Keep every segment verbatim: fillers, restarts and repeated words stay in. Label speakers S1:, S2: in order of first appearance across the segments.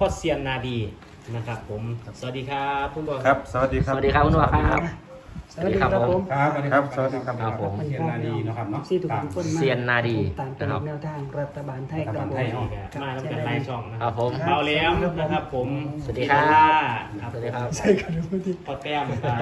S1: พ่อเซียนนาดีนะครับผมสวัสดีครับคุณพ่อ
S2: ครับสวัสดีค
S3: ส
S2: รับ
S3: วัสดีครับคุณพ่อครับ
S4: สวัสดีครับผม
S2: ครับครับสวัสดีครับ
S3: ครับผม
S4: เซียนนาดีนะครับเนาะซีทุกคน
S3: เซียนนาดี
S4: ตามเป็นแนวทางรัฐบาลไทยครับผม
S1: มาแล้วกันไล่ช่องนะ
S3: ค
S1: ค
S3: รั
S1: รั
S3: บบ ผม
S1: เบาแหล้มนะครับผม
S3: สวัสดีครับ
S1: ครับ
S3: สวัสดีครับ
S4: ใช่กันทุกที
S1: พอแต้มมา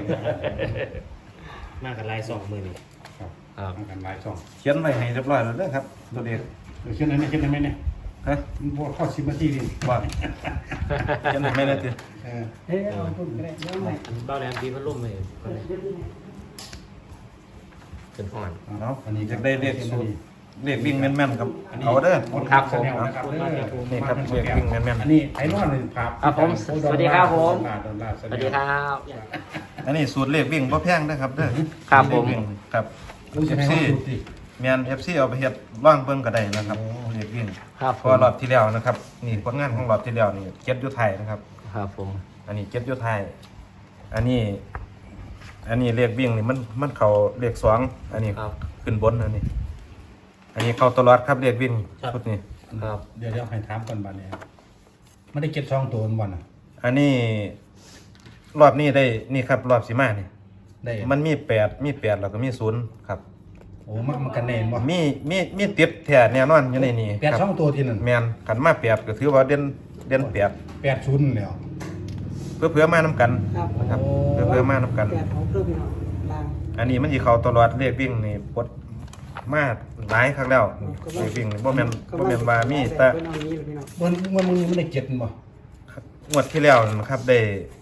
S1: มากันไล่สองมือนี่
S2: ครับ
S3: ครับ
S2: ทำกันหลายช่องเขียนไว้ให้เรียบร้อยแล้วเด้อครับตัวเด็ก
S5: เขียนอะไรเขียนอะไรเนี่ย
S2: ฮะ
S5: มันพอข้อสิบนาทีนี่
S2: ว่าเขียนให้ไม่ได้ติ
S5: เออ
S4: เฮ้ยเอาพูดกันเลยเรื่องใหม่
S1: เบาแหลมดีพัดลมเลย
S3: เป็นห่อน
S2: เนาะอยากได้เลขสูตรเลขวิ่งแม่นๆครับเอาเด้อ
S3: ครับผม
S5: นะครับเด้อ
S2: นี่ครับเลขวิ่งแม่น
S5: อันนี้ไอ้นอนเลยครับ
S3: ครับผมสวัสดีครับผม
S5: ดอลลาร์
S3: สวัสดีครับ
S2: ๆอันนี้สูตรเลขวิ่งบ่แพงนะครับเด้อ
S3: ครับผม
S2: เลขวิ่งครับ
S5: รู้สึกให้เขาดูสิ
S2: แม่น เอฟ ซี เอาไปเฮ็ดว่างเบิ่งก็ได้นะครับเลขวิ่ง
S3: ครับผ
S2: เพอ
S3: ม
S2: รอบที่แล้วนะครับนี่ผลงานของรอบที่แล้วนี่เก็บอยู่ไทยนะครับ
S3: ครับผม
S2: อันนี้เก็บอยู่ไทยอันนี้ อันนี้เลขวิ่งนี่มันมันเข้าเลขสองอันนี้
S3: ครับ
S2: ขึ้นบนอันนี้ อันนี้เข้าตลอดครับเลขวิ่งชุดนี้
S3: ครับ
S5: เดี๋ยวเดี๋ยวให้ถามก่อนบ้านเนี่ยไม่ได้เก็บช่องตัวมันอ่ะ
S2: อันนี้รอบนี้ได้นี่ครับรอบสิมานี่
S5: ได้
S2: มันมีแปดมีแปดแล้วก็มีศูนย์ครับ
S5: โอ้มันมันกันแน่นบ่
S2: มีมีมีติดแท้แน่นอนอยู่ในนี้
S5: แปด
S2: ครับ
S5: ช่องตัวที่นั่น
S2: แมนขันมาแปดก็ถือว่าเด่นเด่นแปด
S5: แปดชุนแล้ว
S2: เพื่อเพื่อมาน้กัน
S4: ครับ
S2: นะครับเพื่อเพื่อมาน้กัน
S4: แปดของเพื่อนพี่น้องลาง
S2: อันนี้มันสิเข้าตลอดเลขวิ่งนี่ปลดมาหลายครั้งแล้วเลขวิ่งนี่บ่แม่นบ่แม่นว่ามีแต่
S4: เพื่อนเอานี้พี่น้อง
S5: มันมันมึงไม่ได้เก็บบ่
S2: งวดที่แล้วนะครับได้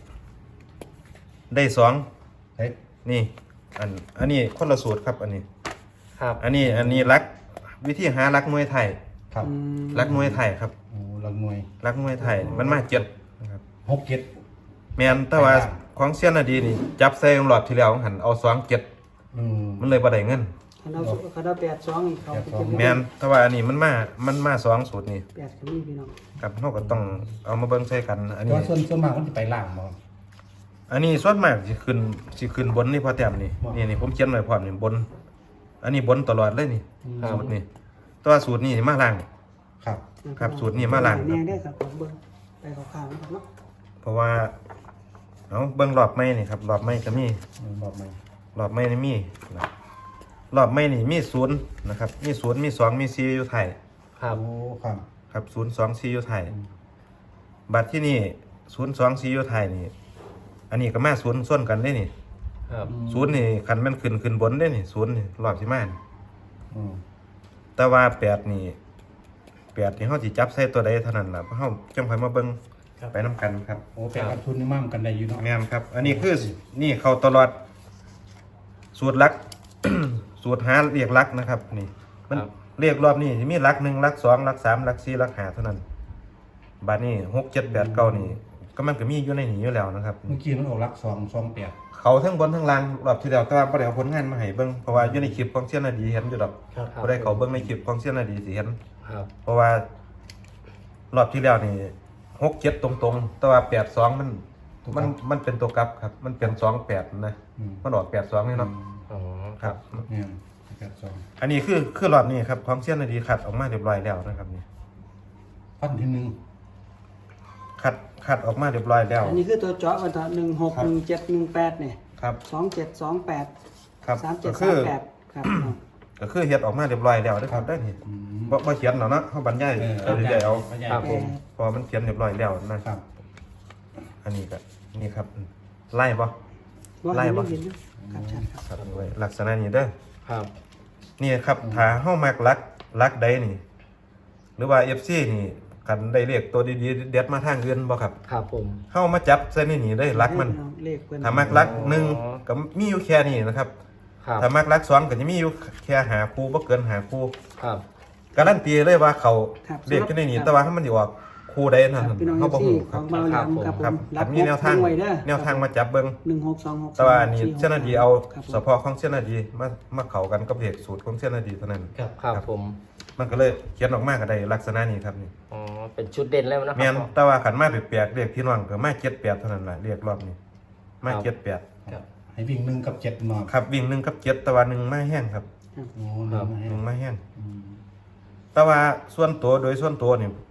S2: ได้สอง
S5: เฮ้ย
S2: นี่ อันอันนี้คนละสูตรครับอันนี้
S3: ครับ
S2: อันนี้อันนี้รักวิธีหารักมวยไทย
S5: ครับ
S4: อืม
S2: รักมวยไทยครับ
S5: โอ้ลังมวย
S2: รักมวยไทยมันมาเจ็ดนะครับ
S5: หกเก็ด
S2: แมนแต่ว่าของเซียนนาดีนี่จับใส่หลอดที่แล้วหันเอาสองเจ็ด
S5: อืม
S2: มันเลยบ่ได้เงิน
S4: คันเอาคันเอาแปดสองอีกเขาไปเก็บ
S2: แมนแต่ว่าอันนี้มันมามันมาสองสูตรนี่
S4: แปดก็มีพี่น้อง
S2: ครับเราก็ต้องเอามาเบิ่งใส่กัน อัน
S5: แต่
S2: นี้
S5: ว่าส่วนส่วนมากมันจะไปล่างบ่
S2: อันนี้ส่วนมากสิขึ้นสิขึ้นบนนี่พอแต้มนี่
S5: บ่
S2: นี่นี่ผมเขียนไว้พร้อมนี่บน อันนี้บนตลอดเลยนี่
S3: ครับ
S2: สูตรนี่แตัวาสูตรนี่มาล่าง
S5: ครับ
S2: ครับสูตรนี้มาล้าง
S4: เนี่ยได้ครับของเบิ้งไปข่าวๆนะครับเนาะ
S2: เพราะว่าเอาเบิ่งรอบไม้นี่ครับรอบไม้ก็มี
S5: บอกไหม
S2: รอบไม้นี่มีนะรอบไม้นี่มีศูนย์นะครับมีศูนย์มีสองมีสี่อยู่ไทย
S3: ครับ
S5: โอ้ครับ
S2: ครับศูนย์สองสี่อยู่ไทยบัตรที่นี่ศูนย์สองสี่อยู่ไทยนี่อันนี้ก็มาศูนย์ส่วนกันได้นี่
S3: ครับ
S2: ศูนย์นี่คันแมันขึ้นขึ้นบนได้นี่ศูนย์นี่รอบที่มานี่
S5: อืม
S2: แต่ว่าแปดนี่แปดนี่เขาสิจับใส่ตัวใดเท่านั้นล่ะเพราะเขาจังค่อยมาเบิ่งไปน้กันครับ
S5: โอ้แปดกับทุนนี่มั่มกันได้อยู่เนาะ
S2: แม่นครับ อันนี้คือนี่เขาตลอด สูตรลัก สูตรหาเรียกลักนะครับ นี่ มันเรียกรอบนี้มีลักหนึ่งลักสองลักสามลักสี่ลักห้าเท่านั้นบัดนี้หกเจ็ดแปดเก้านี่ก็มันก็มีอยู่ในนี้อยู่แล้วนะครับ
S5: เมื่อกี้มันออกรักสองสองแปด
S2: เขาทั้งบนทั้งล่างรอบที่แล้วแต่ว่าบ่ได้เอาผลงานมาให้เบิ่งเพราะว่าอยู่ในคลิปของเสี้ยนนาดีเห็นอยู่ดอก
S1: ครับ
S2: บ่ได้เขาเบิ่งในคลิปของเสี้ยนนาดีสิเห็น
S3: ครับ
S2: เพราะว่ารอบที่แล้วนี่หกเจ็ดตรงๆ แต่ว่าแปดสองมันมันมันเป็นตัวกลับครับ มันเป็นสองแปดนะ
S5: อืม
S2: มันออกแปดสองนี่เนาะ
S3: อ๋อ
S2: ครับ
S5: เนี่ยแปดสอง
S2: อันนี้คือคือรอบนี้ครับของเสี้ยนนาดีขัดออกมาเรียบร้อยแล้วนะครับนี่
S5: พันที่หนึ่ง
S2: ขัดขัดออกมาเรียบร้อยแล้ว
S4: อันนี้คือตัวเจาะวันต่อหนึ่งหกหนึ่งเจ็ดหนึ่งแปดเนี่ย
S2: ครับ
S4: สองเจ็ดสองแปด
S2: ครับ
S4: สามเจ็
S2: ก็
S4: ด
S2: คื
S4: สาม
S2: อ
S4: แปดครับ
S2: ก็คือเฮ็ดออกมาเรียบร้อยแล้วนะครับได้นี่
S5: อืม
S2: บ่บ่เขียนหรอกเนาะเฮาบรรยาย
S5: เออ
S2: เอาเรื่อยๆเอา
S5: ไม่ใช่
S3: ครับผม
S2: เพอมันเขียนเรียบร้อยแล้วนะครับ อันนี้ก็นี่ครับไล่บ่
S4: ว่า
S2: ไล่
S4: ให้
S2: บ่
S4: ไม่เห็นนะครับชัดครับ
S2: ครับไว้ลักษณะนี้เด้อ
S3: ครับ
S2: นี่ครับถ้าเฮามักลักลักใดนี่ หรือว่า เอฟ ซี นี่กันได้เลขตัวดีๆเด็ดมาทางอื่นบ่ครับ
S3: ครับผม
S2: เฮามาจับใส่ในนี่ได้ลักมัน
S4: เลขเพิ่น
S2: ถ้ามักลักหนึ่งก็มีอยู่แค่นี้นะครับ
S3: ครับ
S2: ถ้ามักลักสองก็จะมีอยู่แค่หาคู่บ่เกินหาคู่
S3: ครับ
S2: การันตีเลยว่าเขา
S4: ครับ
S2: เลขที่ในนี่แต่ว่าถ้ามันสิออกคู่ใดนั่น
S4: ครับพี่น้อง
S2: เฮาบ่
S4: ที่
S2: ฮู้
S4: ข
S2: ครั
S4: อบ งเบาหลามครับผ
S2: ครับ
S4: ม
S2: ถ้ามีแนวทาง
S4: ไว้เด้อ
S2: แนวทางมาจับเบิ่ง
S4: หนึ่งหกสองหก
S2: แต่ว่าอันนี้เส้นนาดีเอา
S4: ครับผม
S2: เฉพาะของเส้นนาดีมามาเข้ากันกับเลขสูตรของเส้นนาดีเท่านั้น
S1: ครับ
S3: ครับผม
S2: มันก็เลยเขียนออกมาก็ได้ลักษณะนี้ครับนี่
S3: อ๋อ เป็นชุดเด่นแล้วนะค
S2: แม่
S3: รั
S2: นแต่ว่าขันมาแปลกๆเรียกพี่น้องก็มาเจ็ดแปดเท่านั้นแหละเรียกรอบนี้มาเจ็ดแปด
S1: ครับ
S5: ให้วิ่งหนึ่งกับเจ็ดมา
S2: ครับวิ่งหนึ่งกับเจ็ดแต่ว่าหนึ่งมาแห้งครับ
S5: โอ้หนึ่งมาให้
S2: หนึ่งมาแห้ง
S5: อืม
S2: แต่ว่าส่วนตัวโดยส่วนตัวนี่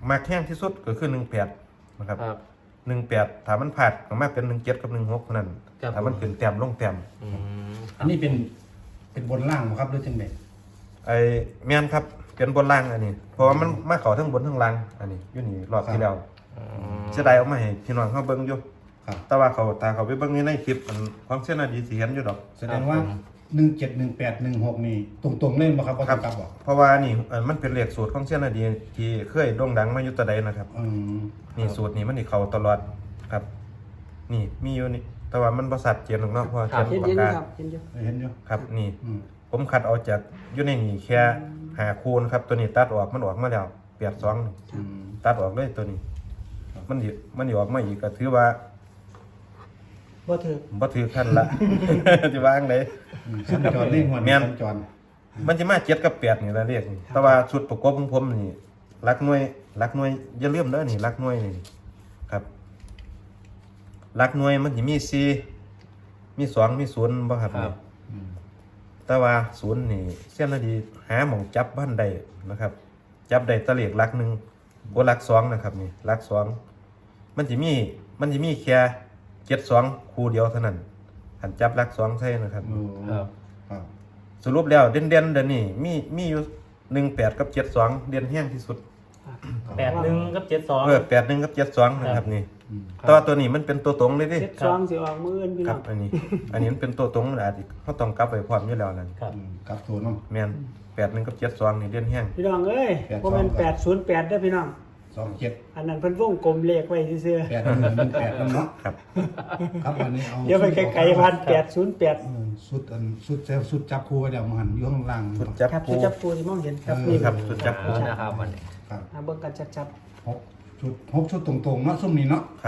S2: มาแข้งที่สุดก็คือหนึ่งแปดนะครับ
S3: ครับ
S2: หนึ่งแปดถ้ามันผ่านก็มาเป็นหนึ่งเจ็ดกับหนึ่งหกเท่านั้น
S3: ครับ
S2: ถ้ามันขึ้นแต้มลงแต้ม
S3: อืม
S5: อันนี้เป็นเป็นบนล่างบ่ครับหรือจังได๋
S2: ไอ้แม่นครับเป็นบนล่างอันนี้ เพราะว่ามันมาเข้าทั้งบนทั้งล่างอันนี้อยู่นี่รอบที่แล้ว
S3: อืม
S2: เสียดายเอามาให้พี่น้องเขาเบิ่งอยู่
S5: ครับ
S2: แต่ว่าเขาตาเขาไปเบิ่งในคลิปมันของเส้นนาดีสิเห็นอยู่ดอก
S5: แสดงว่าหนึ่งเจ็ด หนึ่งแปด หนึ่งหกนี่ตรงๆเล่นบ่ครับบ่
S2: ค
S5: ต้
S2: รั
S5: อบ งกลับบ่
S2: เพราะว่านี่เอ่อมันเป็นเลขสูตรของเส้นนาดีที่เคยโด่งดังมาอยู่แตะใดนะครับ
S5: อืม
S2: นี่สูตรนี้มันนี่เข้าตลอดครับ นี่มีอยู่นี่แต่ว่ามันบ่ชัดเจนหรอกเนาะเพราะว่า
S3: ครับ
S2: เขี
S4: เย็
S2: ย
S4: น
S2: น
S4: เย็
S2: ปาน กกา
S4: ครับเย็นเย็น
S5: เห็นอยู่
S2: ครับนี่
S5: อืม
S2: ผมคัดเอาจากอยู่ในนี่แค่หาคูณครับตัวนี้ตัดออกมันออกมาแล้วแปดสองนี่
S5: อืม
S2: ตัดออกเลยตัวนี้ มันสิมันสิออกมาอีกก็ถือว่า
S4: บ่ถือ
S2: บ่ถือขั้นละ สิวางได
S5: อืมสัญจรเล่นหัว
S2: แม่น
S5: สัญจร
S2: มันจะมาเจ็ดกับแปดนี่ละเรียกนี่แต่ว่าชุดประกอบของผมนี่รักหน่วยรักหน่วยอย่าลืมเด้อนี่รักหน่วยนี่ครับรักหน่วยมันสิมีสี่มีสองมีศูนย์บ่ครับ
S3: ครับ
S5: อืม
S2: แต่ว่าศูนย์นี่เส้นละดีหาหม่องจับบ้านใดนะครับ จับได้แตะเลขรักหนึ่งบ่รักสองนะครับนี่รักสองมันสิมีมันสิมีแค่เจ็ดสองคู่เดียวเท่านั้นหันจับรักสองใช่นะครับ
S5: โอ้
S3: ครับ
S5: ครับ
S2: สรุปแล้วเด่นเด่นๆเดี๋ยวนี้มีมีอยู่หนึ่งแปดกับเจ็ดสองเด่นแห้งที่สุด
S1: แปดหนึ่งกับเจ็ดสอง
S2: เออแปดหนึ่งกับเจ็ดสองนะครับนี่
S5: อืม
S2: แต่ว่าตัวนี้มันเป็นตัวตรงเลยดิ
S4: เจ็ดสองสิออกมืออื่นพี่
S2: ค
S4: น้
S2: รั
S4: อบ ง
S2: อันนี้ อันนี้มันเป็นตัวตรงอาจจะเขาต้องกลับไปพร้อมอยู่แล้วนั่น
S1: ครับ
S5: อืมกลับตัวเนาะ
S2: แมนแปดหนึ่งกับเจ็ดสองนี่เด่นแห้ง
S4: พี่น้องเอ้ย
S5: แปดสอง
S4: บ่แม่นแปดศูนย์แปดเด้อพี่น้อง
S5: สองเจ็ด
S4: อันนั้นเพิ่นวงกลมเลขไว้ซื่อ
S5: แปดหนึ่งหนึ่งแปดนั่นเนาะ
S2: ครับ
S5: ครับอันนี้เอา
S4: ๆเดี๋ยวไปไกลๆพันแปดศูนย์แปด
S5: เออสุดอันสุดเซลสุดจับคู่ไว้เดี๋ยวมันหันอยู่ข้างล่าง
S2: สุดจับ
S4: ครับ
S2: ปู
S4: สุดจับปูที่มองเห็นครับ
S5: เออ
S4: นี่
S2: ครับ สุดจับปู
S3: นะครับวันนี้
S5: ครับ
S4: อ่าเบิ่งกันชัด
S5: หกชุดหกชุดตรงๆเนาะซุ่มนี้เนาะ
S2: ครับ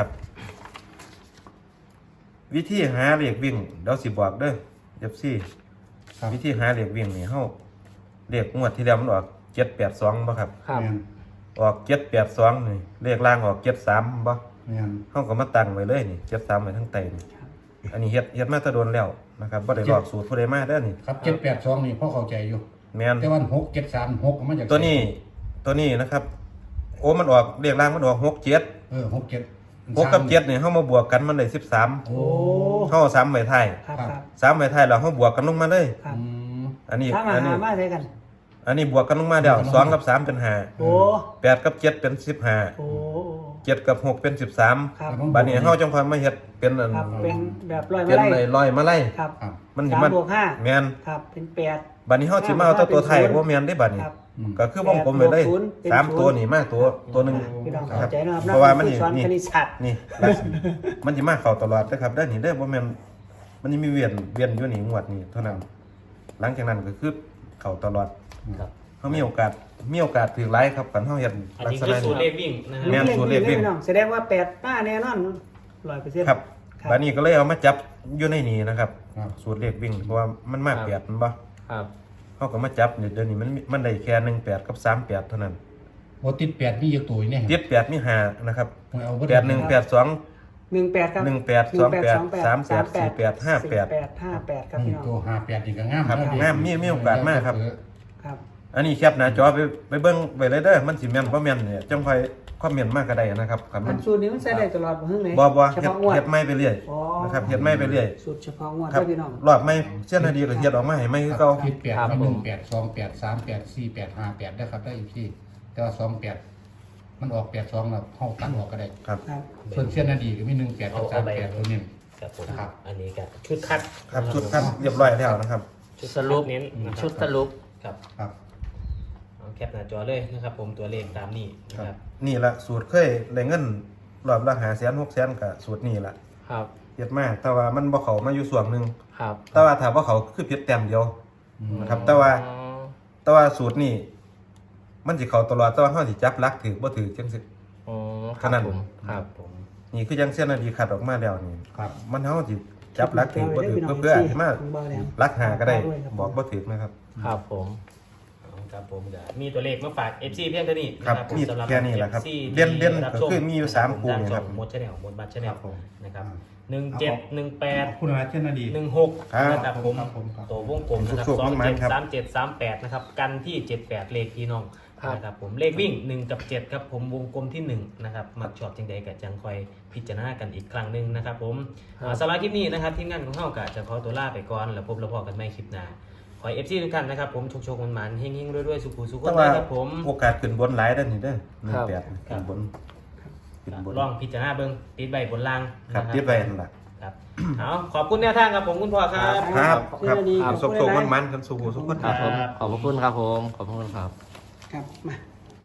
S2: วิธีหาเหล็กวิ่งเดี๋ยวสิบอกเด้อเจ็บซี่
S5: ครับ
S2: วิธีหาเหล็กวิ่งนี่เฮาเลขงวดที่แล้วมันออกเจ็ดแปดสองบ่ครับ
S3: ครับ
S5: แม่น
S2: ออกเจ็ดแปดสองนี่เลขล่างออกเจ็ดสามบ่
S5: แม่น
S2: เขาก็มาตั้งไว้เลยนี่เจ็ดสามไว้ทั้งไตนี่อันนี้เฮ็ดเฮ็ดมาแตะโดนแล้วนะครับบ่ได้บอกสูตรผู้ใดมาเด้อนี่
S5: ครับเจ็ดแปดสองนี่พ่อเข้าใจอยู่
S2: แม่น
S5: แต่ว่าหกเจ็ดสามหกมาจาก
S2: ตัวนี้ตัวนี้นะครับ โอ้มันออกเรียกล่างมันออกหกเจ็ด
S5: เออหกเจ็ด
S2: หกกับเจ็ดนี่เฮามาบวกกันมันได้สิบสาม
S5: โอ้
S4: ๆ โอ้
S2: เฮาเอาสามไว้ท้าย
S4: ครับครับ
S2: สามไว้ท้ายแล้วเฮาบวกกันลงมาเลย
S4: ครับ
S5: อืม
S2: อันนี้
S4: ถ้ามา
S2: อันนี้
S4: หามาใส่กัน
S2: อันนี้บวกกันลงมาแล้วสองกับสามเป็นห้า
S4: โอ้
S2: แปดกับเจ็ดเป็นสิบห้า
S4: โอ้
S2: เจ็ดกับหกเป็นสิบสาม
S4: ครับ
S2: บัดนี้เฮาจังค่อยมาเฮ็ดเป็นอัน
S4: ครับเป็นแบบร้อย
S2: เป็
S4: มาน ไล่
S2: ไอ้ร้อยมาไล่
S4: ครับ
S5: ครับ
S2: มันสิ
S4: สาม
S2: มัน
S4: บวกห้า
S2: แม่น
S4: ครับเป็นแปด
S2: บัดนี้เฮาสิมาเอาแต่ตัวไทยบ่แม่นได้บัดนี้
S4: ครับ
S5: อืม
S2: ก็คือวงกลมไปเลย
S4: แปดบวกศูนย์เป็น
S2: สาม
S4: ศูนย์
S2: ตัวนี่มาตัวตัวหนึ่ง
S4: พี่น้อง
S2: ค
S4: เข้า
S2: รับ
S4: ใจนะครับ
S2: เพราะว่ามัน
S4: ผู้
S2: นี่
S4: สอน
S2: นี่
S4: คณิตศาสตร์
S2: นี่ลักษณะมันจะมาเข้าตลอดนะครับได้อนี่ได้อบ่แม่นมันจะมีเวียนเวียนอยู่นี่งวดนี่เท่านั้น หลังจากนั้นก็คือเข้าตลอด
S1: ครับ
S2: เฮามีโอกาสมีโอกาสถือหลายครับกันเฮาเฮ็ด
S1: อัน
S2: ลัก
S1: นี้
S2: ษ
S1: คือ
S2: ณะ
S1: สูตรเล
S2: นี้
S1: ขวิ่งนะ
S2: แม่
S1: ครับ
S2: น สูตรเลขวิ่ง
S4: พี่น้องแสดงว่าแปดป้าแน่นอนร้อยเปอร์เซ็นต์
S2: ครับ
S4: ครับ
S2: บัดนี้ก็เลยเอามาจับอยู่ในนี้นะครับ
S5: ครับ
S2: สูตรเลขวิ่งเพราะว่ามันมาแปดมันบ่
S3: ครับ
S2: เฮาก็มาจับเดี๋ยวนี้มันมันได้แค่หนึ่งแปดกับสามแปดเท่านั้น
S5: โอ้ติดแปดมีเยอะตัวอยู่เนี่ย
S2: เจ็ดแปดมีห้านะครับ
S5: เอาเบิด
S2: แปดหนึ่งแปดสอง
S4: หนึ่งแปดครับ
S2: หนึ่งแปดสองแปดสามแปดสี่แปดห้าแปด
S4: สี่แปดห้าแปดครับ
S5: อื
S4: พี่
S5: ม
S4: น้อง
S5: ตัวห้าแปดนี่ก็งาม
S2: ครับ
S5: นะ
S2: งามมีมีโอกาสมากครับ
S4: ครับ
S2: อันนี้แคปหน้าจอไปไปเบิ่งไว้เลยเด้อมันสิแม่นบ่แม่นเนี่ยจังค่อยคอมเมนต์มาก็ได้นะครับครับ
S4: อั
S2: มัน
S4: นสูตรนี้มันใช้ได้ตลอดบ่ฮึ่งเลย
S2: บ่บ่
S4: เฉ
S2: เฮ็ด
S4: พาะงวด
S2: เฮ็ดใหม่ไปเรื่อย
S4: อ๋อ
S2: นะครับเฮ็ดใหม่ไปเรื่อย
S4: สูตรเฉพาะงวด
S2: ครับ
S4: ได้พี่น้อง
S2: รอบใหม่เช่นนาดีก็เฮ็ดออกมาให้ใหม่คือเก่า
S5: คิดแปดไม่หนึ่งแปดสองแปดสามแปดสี่แปดห้าแปดได้ครับได้อีกที่แต่ว่าสองแปดมันออกแปดสองแล้วเข้าตัดออกก็ได้
S2: ครับ
S4: ครับ
S5: ส่วนเส้นนาดีก็มีหนึ่งแปดกับสามแปดตัวนี้
S1: ครับผม
S5: ครับ
S1: อันนี้ก็ชุดคัด
S2: ครับชุดคัดเรียบร้อยแล้วนะครับ
S1: ชุด
S3: สรุป
S1: เน้นนะครับ
S3: ชุดสรุป
S1: ครับ
S5: ครับ
S1: เอาแคปหน้าจอเลยนะครับ ผมตัวเลขตามนี้นะครับ
S2: นี่ละสูตรเคยได้เงินรอบละห้าแสนหกแสนก็สูตรนี้ละ
S3: ครับ
S2: เฮ็ดมาแต่ว่ามันบ่เข้ามาอยู่ส่วนหนึง
S3: ครับ
S2: แต่ว่าถ้าบ่เข้าคือผิดแต้มเดียว
S5: อืม
S2: นะครับแต่ว่า
S3: อ๋อ
S2: แต่ว่าสูตรนี้มันสิเข้าตลอดแต่ว่าเฮาสิจับหลักถือบ่ถือจังซี่
S3: อ๋อค
S2: ขนา
S3: รั
S2: ด
S3: บผมครับ
S1: ผม
S2: นี่คือจังเส้นนาดีคัดออกมาแล้วนี่
S5: ครับ
S2: มันเฮาสิจับหลักถือบ่ถือเพื่อๆให้มาหลักหาก็ได้บอกบ่ถือนะครับ
S3: ครับผม
S1: เอาครับผมเดี๋ยวมีตัวเลขมาฝาก เอฟ ซี เพียงเท่านี้
S2: ครับ
S1: นะผม
S2: มี
S1: สำหรับ
S2: แค่นี้แหละครับ
S1: เอฟซี
S2: เด่นเด่น
S1: รับ
S2: ก็
S1: ชม
S2: คือมีอยู่สามคู่นี่ครับ
S1: มดชแนลมดบัตรชแน
S5: ค
S1: ล
S5: รับผม
S1: นะครับ
S5: อ่า
S1: หนึ่งเจ็ดหนึ่งแปด
S5: ขอบคุณนะเส้นนาดี
S1: หนึ่งหก
S2: ครับ
S1: นะครับผม
S5: ครับผมครับ
S1: ตัววงกลมนะครับ
S2: สุข
S1: ส
S2: ๆ
S1: อง
S2: มาก
S1: เจ็ด
S2: ๆครับ
S1: สามเจ็ดสามแปดนะครับ กันที่เจ็ดแปดเลขพี่น้อง
S3: ครับ
S1: นะครับผมเลขวิ่งหนึ่งกับเจ็ดครับผมวงกลมที่หนึ่งนะครับมักชอบจังใดกับจังคอยพิจารณากันอีกครั้งหนึ่งนะครับผมอ่าสำหรับคลิปนี้นะครับทีมงานของเฮากะจะขอตัวลาไปก่อนแล้วพบแล้วพอกันใหม่คลิปหน้าขอเอฟซีทุกท่านนะครับผมโชคๆมันๆเฮงๆรวยๆสุขุสุข
S2: แต่
S1: น
S2: ว่า
S1: นะครับผม
S2: โอกาสขึ้นบนหลายเด้อนี่เด้อหนึ่
S3: ค
S2: ง
S3: รับ
S2: แปดขึ้นบนขึ้นบน
S1: ลองพิจารณาเบิ่งติดใบบนล่าง
S2: ครับ
S1: นะ
S2: ติดไว้นั่นล่ะ
S1: ครับเอาขอบคุณแนวทางครับผมคุณพ่อครับ
S2: ครับครับ
S4: เชื่อดี
S2: สุขๆมันๆกันสู่สุขคน
S3: ครับผมขอบพระคุณครับผมขอบพระคุณครับ
S4: ครับมา